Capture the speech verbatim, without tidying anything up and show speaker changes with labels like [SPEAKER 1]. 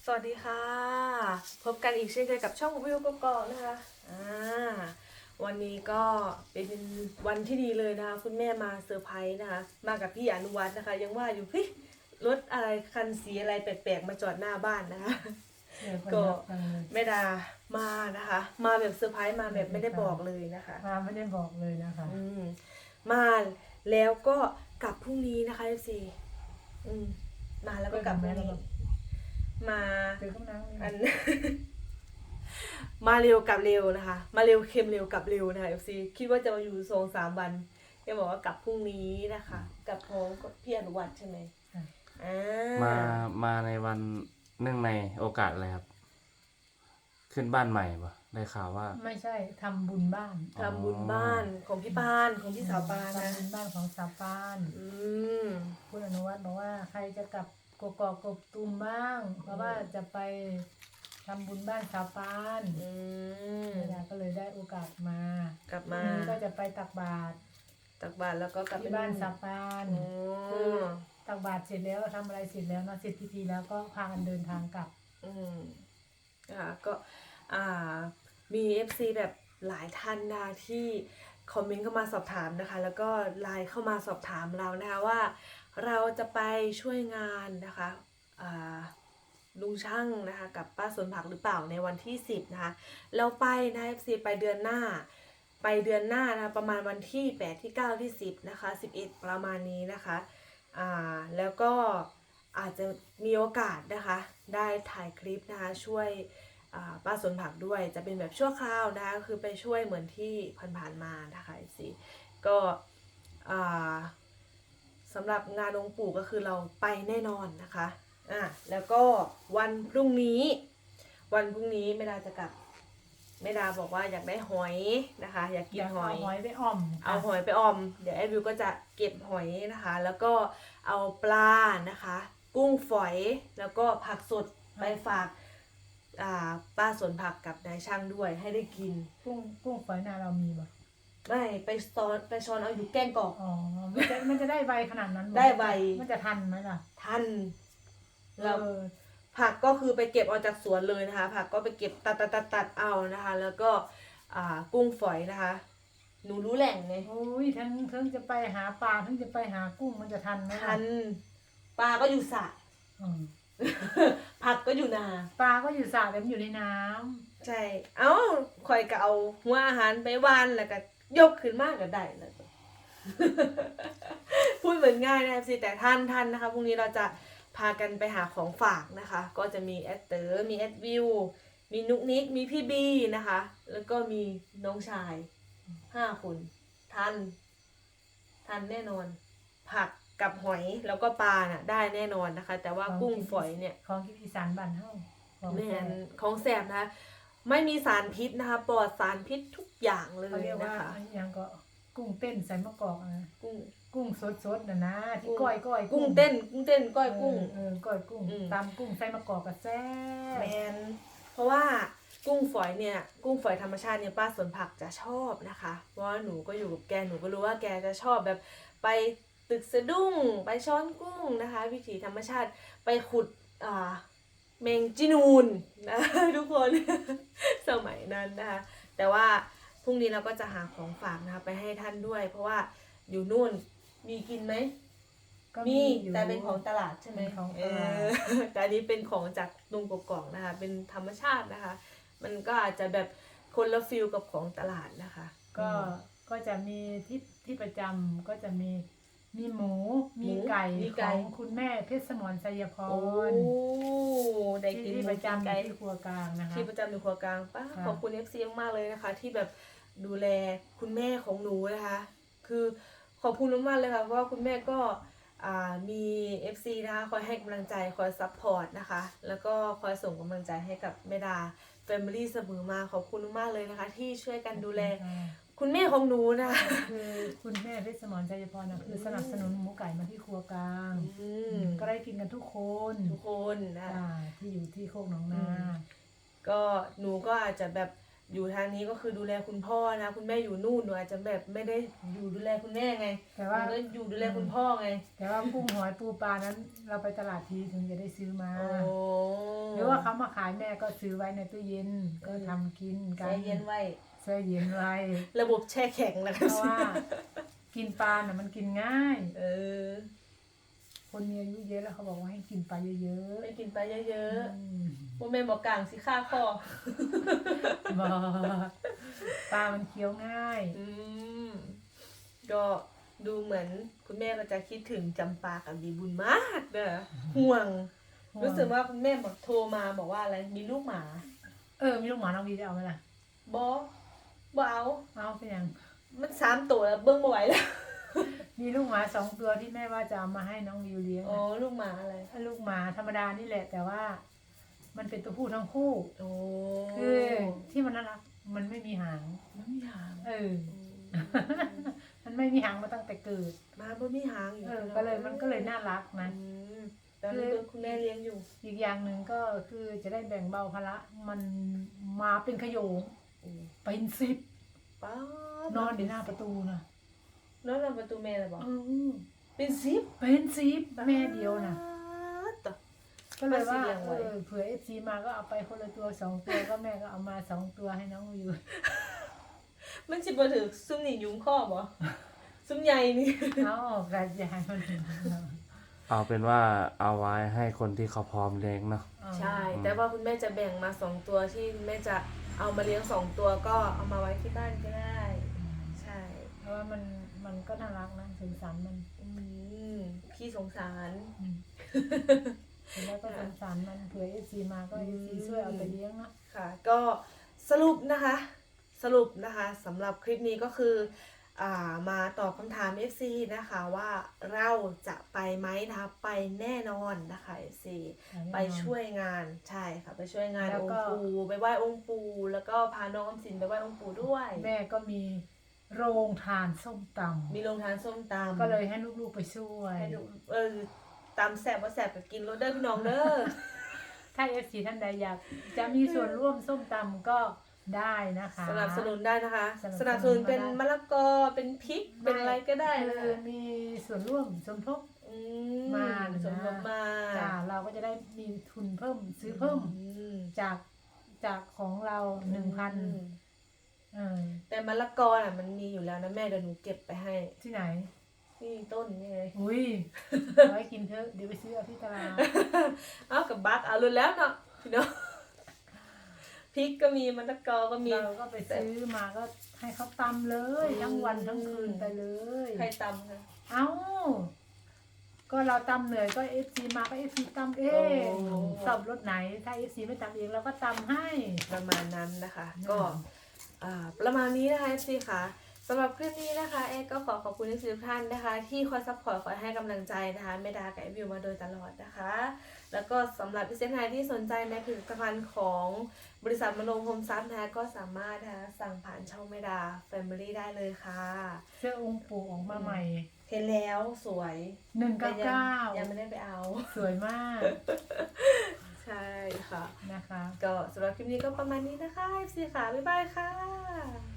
[SPEAKER 1] สวัสดีค่ะพบกันอีกเช่นเคยกับช่องวิวกกอกนะคะอ่าวันนี้ก็เป็นวันที่ดีเลยนะคะคุณแม่มาเซอร์ไพรส์นะคะมากับพี่อนุวัฒน์นะคะยังว่าอยู่พี่รถอะไรคันสีอะไรแปลกๆมาจอดหน้าบ้านนะคะก็แม่ดามานะคะมาแบบเซอร์ไพรส์มาแบบไม่ได้บอกเลยนะคะ
[SPEAKER 2] มาไม่ได้บอกเลยนะคะ
[SPEAKER 1] อืมมาแล้วก็กลับพรุ่งนี้นะคะเอฟซีอืมมาแล้วก็กลับพรุ่งนี้มาอัน มาเร็วกลับเร็วนะคะ มาเร็วเค็มเร็วกลับเร็วนะคะเอฟซีคิดว่าจะมาอยู่สองสามวันแกบอกว่ากลับพรุ่งนี้นะคะกลับพร้อมกับพี่อนุวัฒน์ใช่ไหมอ่า
[SPEAKER 3] มามาในวันเนื่องในโอกาสอะไรครับ ขึ้นบ้านใหม่ปะได้ข่าวว่า
[SPEAKER 2] ไม่ใช่ทำบุญบ้าน
[SPEAKER 1] ทำบุญบ้านของพี่ปานของพี่สาวปานนะ
[SPEAKER 2] ทำบุญบ้านของสาวปาน
[SPEAKER 1] อืม
[SPEAKER 2] คุณอนุวัฒน์บอกว่าใครจะกลับกกอกกบตูมบ้าง เพราะว่าจะไปทำบุญบ้านสาวปาน
[SPEAKER 1] อืม
[SPEAKER 2] เวลาก็เลยได้โอกาสมาก
[SPEAKER 1] ลับมา
[SPEAKER 2] พรุ่งนี้ก็จะไปตักบาตร
[SPEAKER 1] ตักบาตรแล้วก็กลับไป
[SPEAKER 2] ที่บ้านสาวปาน
[SPEAKER 1] โอ้
[SPEAKER 2] คือตักบาตรเสร็จแล้วทำอะไรเสร็จแล้วเนาะเสร็จพิธีแล้วก็พากันเดินทางกลับ
[SPEAKER 1] อืมนะคะก็อ่ามี เอฟ ซี แบบหลายท่านนะที่คอมเมนต์เข้ามาสอบถามนะคะ แล้วก็ไลน์เข้ามาสอบถามเรานะคะว่าเราจะไปช่วยงานนะคะอ่าลุงช่างนะคะกับป้าสวนผักหรือเปล่าในวันที่สิบนะคะเราไปนะ เอฟ ซี ไปเดือนหน้าไปเดือนหน้านะประมาณวันที่แปดที่เก้าที่สิบนะคะสิบเอ็ดประมาณนี้นะคะอ่าแล้วก็อาจจะมีโอกาสนะคะได้ถ่ายคลิปนะคะช่วยป้าสวนผักด้วยจะเป็นแบบชั่วคราวนะคะคือไปช่วยเหมือนที่ผ่านๆมานะคะสิก็สำหรับงานองค์ปู่ก็คือเราไปแน่นอนนะคะอ่ะแล้วก็วันพรุ่งนี้วันพรุ่งนี้แม่ดาจะกลับแม่ดาบอกว่าอยากได้หอยนะคะอยากกินหอย
[SPEAKER 2] เอาหอยไปอ่อม
[SPEAKER 1] เอาหอยไปออมเดี๋ยวแอดวิวก็จะเก็บหอยนะคะแล้วก็เอาปลานะคะกุ้งฝอยแล้วก็ผักสดไปฝากป้าสวนผักกับนายช่างด้วยให้ได้กิน
[SPEAKER 2] กุ้งกุ้งฝอยนาเรามีบ่
[SPEAKER 1] ไม่ไปซอนไปช้อนเอาอยู่แกงกอก
[SPEAKER 2] อ๋อมันจะมันจะได้ใบขนาดนั้น
[SPEAKER 1] ได้ใบ
[SPEAKER 2] มันจะทันไหมล่ะ
[SPEAKER 1] ทันแล้วผักก็คือไปเก็บเอาจากสวนเลยนะคะผักก็ไปเก็บตัดตัดตัดตัดเอานะคะแล้วก็กุ้งฝอยนะคะหนูรู้แหล่งไง
[SPEAKER 2] โอ้ยทั้งทั้งจะไปหาปลาทั้งจะไปหากุ้งมันจะทันไหมล่ะ
[SPEAKER 1] ทันปลาก็อยู่สระผักก็อยู่นา
[SPEAKER 2] ปลาก็อยู่สระแต่มันอยู่ในน้
[SPEAKER 1] ำใช่เอ้าคอยก็เอาหัวอาหารไปวานแล้วก็ยกขึ้นมากก็ได้แล้วพูดเหมือนง่ายนะสิแต่ท่านท่านนะคะพรุ่งนี้เราจะพากันไปหาของฝากนะคะก็จะมีแอดเตอร์มีแอดวิวมีนุกนิกมีพี่บีนะคะแล้วก็มีน้องชายห้าคนทันทันแน่นอนผักกับหอยแล้วก็ปลาน่ะได้แน่นอนนะคะแต่ว่ากุ้งฝอยเนี่ย
[SPEAKER 2] ของกินอีสานบ้านเฮา
[SPEAKER 1] แม่นของแสบนะคะไม่มีสารพิษนะคะปลอดสารพิษทุกอย่างเลยนะคะ
[SPEAKER 2] ยังก็กุ้งเต้นใส่มะกอกนะ
[SPEAKER 1] กุ้ง
[SPEAKER 2] กุ้งสดๆน่ะนะที่ก้อยก้อย
[SPEAKER 1] กุ้งเต้นกุ้งเต้นก้อยกุ้ง
[SPEAKER 2] เออก้อยกุ้งตำกุ้งใส่มะกอกก็แซ่บ
[SPEAKER 1] แม่นเพราะว่ากุ้งฝอยเนี่ยกุ้งฝอยธรรมชาติเนี่ยป้าสวนผักจะชอบนะคะเพราะว่าหนูก็อยู่กับแกหนูก็รู้ว่าแกจะชอบแบบไปตึกสะดุ้งไปช้อนกุ้งนะคะวิถีธรรมชาติไปขุดอ่าเมงจีนูนนะทุกคน สมัยนั้นนะคะแต่ว่าพรุ่งนี้เราก็จะหาของฝากนะคะไปให้ท่านด้วยเพราะว่าอยู่นู่นมีกินไหมมีแต่เป็นของตลาดใช่ไหมเออแต่อันนี้เป็นของจากลุงกกอกนะคะเป็นธรรมชาตินะคะมันก็อาจจะแบบคนละฟิลกับของตลาดนะคะ
[SPEAKER 2] ก็ก็จะมีที่ที่ประจำก็จะมีมีหมูมีไก่ของคุณแม่เพชรสมรไสยพร
[SPEAKER 1] ได้กิน
[SPEAKER 2] ที่ประจำที่ครัวกลางนะคะ
[SPEAKER 1] ที่ประจำในครัวกลางป้าขอบคุณ เอฟ ซี มากเลยนะคะที่แบบดูแลคุณแม่ของหนูนะคะคือขอบคุณมากเลยค่ะเพราะว่าคุณแม่ก็มี เอฟ ซี นะคะคอยให้กำลังใจคอยซัพพอร์ตนะคะแล้วก็คอยส่งกำลังใจให้กับแม่ดาแฟมิลี่เสมอมาขอบคุณมากเลยนะคะที่ช่วยกันดูแลคุณแม่ของหนูนะ
[SPEAKER 2] คือคุณแม่เพชรสมรไสยพรนะคือสนับสนุนหมูไก่มาที่ครัวกลางก็ได้กินกันทุกคน
[SPEAKER 1] ทุกคนนะ
[SPEAKER 2] ที่อยู่ที่โคกหนองนา
[SPEAKER 1] ก็หนูก็อาจจะแบบอยู่ทางนี้ก็คือดูแลคุณพ่อนะคุณแม่อยู่นู่นหนูอาจจะแบบไม่ได้อยู่ดูแลคุณแม่ไง
[SPEAKER 2] แต่ว่า
[SPEAKER 1] ก็อยู่ดูแลคุณพ่อไง
[SPEAKER 2] แต่ว่ากุ้งหอยปูปลานั้นเราไปตลาดทีถึงจะได้ซื้อมาหรือว่าว่าเขามาขายแม่ก็ซื้อไว้ในตู้เย็นก็ทำกินกัน
[SPEAKER 1] แช่เย็นไว้
[SPEAKER 2] แช่เย็นไว้
[SPEAKER 1] ระบบแช่แข็งนะ
[SPEAKER 2] เพ
[SPEAKER 1] คะ
[SPEAKER 2] ราะว่ากินปลาน่ะมันกินง่าย
[SPEAKER 1] เออ
[SPEAKER 2] คนมีอายุเยอะแล้วเขาบอกว่าให้กินปลาเยอะ
[SPEAKER 1] ไปกินปลาเย
[SPEAKER 2] ๆ
[SPEAKER 1] อะ
[SPEAKER 2] อืม
[SPEAKER 1] ๆโมเมนบอกกลางสิค่าคอ
[SPEAKER 2] บ่ปลามันเคี้ยวง่าย
[SPEAKER 1] อืมก็ดูเหมือนคุณแม่ก็จะคิดถึงจำปากับดีบุญมากเด้อห่วง
[SPEAKER 2] ห่วง
[SPEAKER 1] รู้สึกว่าคุณแม่บอกโทรมาบอกว่าอะไรมีลูกหมา
[SPEAKER 2] เออมีลูกหมาน้องวีจะเอาไหมล่ะ
[SPEAKER 1] บอบอเอา
[SPEAKER 2] เอาเป็นยัง
[SPEAKER 1] มันสามตัวแล้วเบิ้งบ่ไหวแล้ว
[SPEAKER 2] มีลูกหมาสองตัวที่แม่ว่าจะเอามาให้น้องวิวเลี้ยง
[SPEAKER 1] อ๋อ
[SPEAKER 2] นะ
[SPEAKER 1] ลูกหมาอะไร
[SPEAKER 2] ลูกหมาธรรมดานี่แหละ แต่ว่า มันเป็นตัวผู้ทั้งคู่
[SPEAKER 1] โอ้
[SPEAKER 2] คือที่มันน่ารักมันไม่มีหาง
[SPEAKER 1] มันมีหาง
[SPEAKER 2] เออ
[SPEAKER 1] อืม
[SPEAKER 2] มันไม่มีหางมาตั้งแต่เกิด
[SPEAKER 1] มาบ่มีหางอยู่
[SPEAKER 2] เออ ก็เลยมันก็เลยน่ารักนะ
[SPEAKER 1] อืมตอนนี้คุณแม่เลี้ยงอยู่
[SPEAKER 2] อีกอย่างหนึ่งก็คือจะได้แบ่งเบาภาระมันมาเป็นขโยง
[SPEAKER 1] อืม
[SPEAKER 2] เป็นสิบ
[SPEAKER 1] ป้าน
[SPEAKER 2] อนอยู่หน้าประตูนะ
[SPEAKER 1] นอนประตูแม่เลยบอก
[SPEAKER 2] เออ
[SPEAKER 1] เป็นซิป
[SPEAKER 2] เป็นสิบแม่เดียวนะ
[SPEAKER 1] ต่อ
[SPEAKER 2] ก็เลยว่า
[SPEAKER 1] มาสิเลี้ยงไว้
[SPEAKER 2] เออเผื่อเอฟซีมาก็เอาไปคนละตัวสองตัวก็แม่ก็เอามาสองตัวให้น้องวิว
[SPEAKER 1] มันสิบ่ถือซุ่มนี่ยุงข้อบ่ซุ่มใหญ่นี่
[SPEAKER 2] เอาออกกระจายมัน
[SPEAKER 3] เอาเป็นว่าเอาไว้ให้คนที่เขาพร้อมเลี้ยงเนาะ
[SPEAKER 1] ใช่ แต่ว่าคุณแม่จะแบ่งมาสองตัวที่แม่จะเอามาเลี้ยงสองตัวก็เอามาไว้ที่บ้านก็ได้ ใช่
[SPEAKER 2] เพราะว่ามันมันก็น่ารักนะสงสารมัน
[SPEAKER 1] อืมพี่สงสาร
[SPEAKER 2] อืมแล้วก็สงสารมันเผื่อเอฟซีมาก็เอฟซีช่วยเอาไปเลี้ยงเนาะ
[SPEAKER 1] ค่ะ ก็สรุปนะคะ สรุปนะคะสำหรับคลิปนี้ก็คืออ่ามาตอบคำถาม เอฟ ซี นะคะว่าเราจะไปไหมนะคะไปแน่นอนนะคะ เอฟ ซี ไปช่วยงานใช่ค่ะไปช่วยงาน
[SPEAKER 2] แล้ว
[SPEAKER 1] อง
[SPEAKER 2] ก็
[SPEAKER 1] ค์ปู่ไปไหว้องค์ปู่แล้วก็พาน้องออมสินไปไหว้องค์ปู่ด้วย
[SPEAKER 2] แม่ก็มีโรงทานส้มต
[SPEAKER 1] มีโรงทานส้มตำ
[SPEAKER 2] ำก็เลยให้ลูกๆไปช่วย
[SPEAKER 1] ให้ดูเออตำแสบว่าแสบก็กินรสเด้อพี่น้องเด้อ
[SPEAKER 2] ถ้าเอฟซีท่านใดอยากจะมีส่วนร่วมส้มตำก็ได้นะคะ
[SPEAKER 1] สนับสนุนได้นะคะ
[SPEAKER 2] สนับสนุน
[SPEAKER 1] สนับสนุนเป็น
[SPEAKER 2] มาได้
[SPEAKER 1] มะละกอเป็นพริกเป็นอะไรก็ได้นะ
[SPEAKER 2] คือมีส่วนร่วมสมทบ
[SPEAKER 1] อื
[SPEAKER 2] มานะ
[SPEAKER 1] สมทบมา
[SPEAKER 2] จ้าเราก็จะได้มีทุนเพิ่มซื้อเพิ่ม
[SPEAKER 1] อืม
[SPEAKER 2] จากจากของเราหนึ่งพัน
[SPEAKER 1] อืม
[SPEAKER 2] เออ
[SPEAKER 1] แต่มะละกอน่ะมันมีอยู่แล้วนะแม่เดี๋ยวหนูเก็บไปให้
[SPEAKER 2] ที่ไหน
[SPEAKER 1] นี่ต้นนี่ไง
[SPEAKER 2] อุ้ยเอาไว้กินเถอะเดี๋ยวไปซื้อเอาที่ตลาด
[SPEAKER 1] เอากับบักเอารุนแล้วเนาะพี่น้องพริกก็มีมะละกอก็มี
[SPEAKER 2] เราก็ไปซื้อมาก็ให้เขาตำเลย
[SPEAKER 1] อืม
[SPEAKER 2] ทั้งวันทั้งคืนไปเลย
[SPEAKER 1] ใครตำคะ
[SPEAKER 2] เอ้า ก็เราตำเหนื่อยก็เอฟซีมาก็เอฟซีตำเอง
[SPEAKER 1] โอ้
[SPEAKER 2] สอบรถไหน ถ้าเอฟซีไม่ตำเองเราก็ตำให้
[SPEAKER 1] ประมาณนั้นนะคะ
[SPEAKER 2] อืม
[SPEAKER 1] ก็อ่าประมาณนี้นะคะ เอฟ ซี ค่ะสำหรับคลิปนี้นะคะเอก็ขอขอบคุณทุกท่านนะคะ ที่คอยซัพพอร์ตคอยให้กำลังใจนะคะเมดากับเอวิวมาโดยตลอดนะคะ แล้วก็สำหรับพิเศษไทยที่สนใจในผลิตภัณฑ์ของบริษัทมโนโฮมซับนะคะก็สามารถนะคะสั่งผ่านช่องเมดาแฟมิลี่ได้เลยค่ะ
[SPEAKER 2] เสื้อองค์ปู่ออกมาใหม่
[SPEAKER 1] เห็นแล้วสวย
[SPEAKER 2] หนึ่ง
[SPEAKER 1] แต่
[SPEAKER 2] เก้า
[SPEAKER 1] ยัง
[SPEAKER 2] เก้า
[SPEAKER 1] ยังไม่ได้ไปเอา
[SPEAKER 2] สวยมาก
[SPEAKER 1] ใช่ค่ะ
[SPEAKER 2] นะคะ
[SPEAKER 1] ก็สำหรับคลิปนี้ก็ประมาณนี้นะคะ เอฟ ซี ค่ะ บ๊ายบายค่ะ